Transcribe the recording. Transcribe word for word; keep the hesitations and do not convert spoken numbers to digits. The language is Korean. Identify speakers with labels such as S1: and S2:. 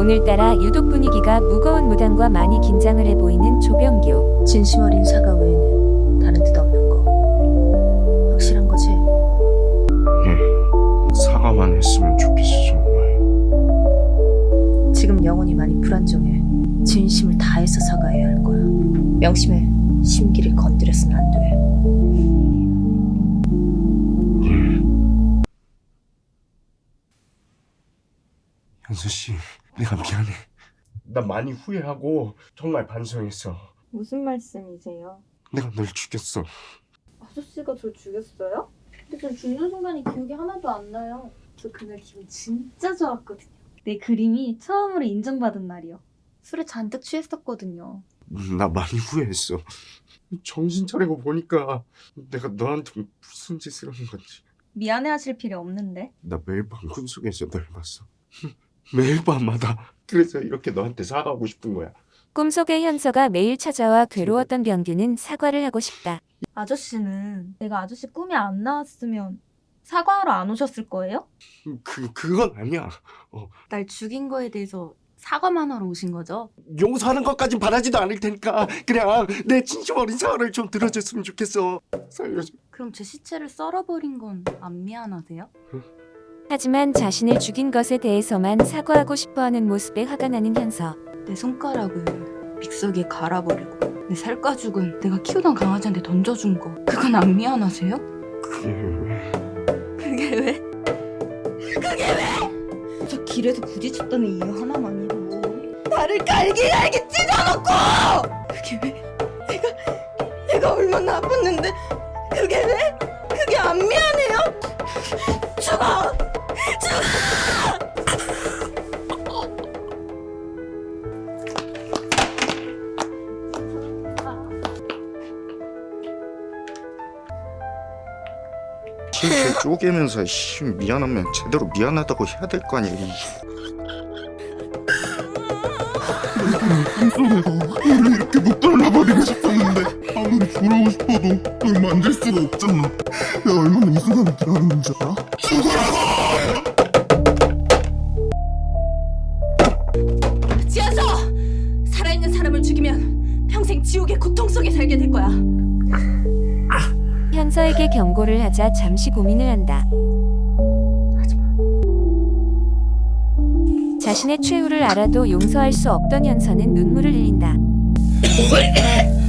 S1: 오늘따라 유독 분위기가 무거운 무당과 많이 긴장을 해 보이는 조병규.
S2: 진심 어린 사과 외에는 다른 뜻 없는 거 확실한 거지?
S3: 예, 사과만 했으면 좋겠어 정말.
S2: 지금 영혼이 많이 불안정해. 진심을 다해서 사과해야 할 거야. 명심해. 심기를 건드려서는 안 돼.
S3: 예. 현수 씨, 내가 미안해. 나 많이 후회하고 정말 반성했어.
S4: 무슨 말씀이세요?
S3: 내가 널 죽였어.
S4: 아저씨가 절 죽였어요? 근데 전 죽는 순간이 기억이 하나도 안 나요. 저 그날 기분 진짜 좋았거든요. 내 그림이 처음으로 인정받은 날이요. 술에 잔뜩 취했었거든요.
S3: 나 많이 후회했어. 정신 차리고 보니까 내가 너한테 무슨 짓을 한 건지.
S4: 미안해하실 필요 없는데.
S3: 나 매일 밤 꿈속에서 널 봤어. 매일 밤마다. 그래서 이렇게 너한테 사과하고 싶은 거야.
S1: 꿈속의 현서가 매일 찾아와 괴로웠던 병규는 사과를 하고 싶다.
S4: 아저씨는 내가 아저씨 꿈에 안 나왔으면 사과하러 안 오셨을 거예요?
S3: 그, 그건 아니야. 어,
S4: 날 죽인 거에 대해서 사과만 하러 오신 거죠?
S3: 용서하는 것까진 바라지도 않을 테니까 그냥 내 진심 어린 사과를 좀 들어줬으면 좋겠어. 살려줘.
S4: 그럼 제 시체를 썰어버린 건 안 미안하세요?
S1: 하지만 자신을 죽인 것에 대해서만 사과하고 싶어하는 모습에 화가 나는 현서.
S4: 내 손가락을 믹서기에 갈아버리고 내 살가죽은 내가 키우던 강아지한테 던져준 거 그건 안 미안하세요?
S3: 그게 왜?
S4: 그게 왜? 그게 왜? 저 길에서 부딪혔다는 이유 하나만이라도 나를 갈기갈기 찢어놓고 그게 왜? 내가 내가 얼마나 아팠는데 그게 왜? 그게 안 미안해요? 죽어!
S3: 실실 쪼개면서 씨, 미안하면 제대로 미안하다고 해야 될 거 아니야.
S5: 내가 너를 이렇게 못 잘라버리고 싶었는데 아무리 돌아오고 싶어도 널 만질 수가 없잖아. 내가 얼마나 이 순간을 기다리는 줄 알아?
S4: 지하서 살아있는 사람을 죽이면 평생 지옥의 고통 속에 살게 될 거야.
S1: 현서에게 경고를 하자 잠시 고민을 한다. 자신의 최후를 알아도 용서할 수 없던 현서는 눈물을 흘린다.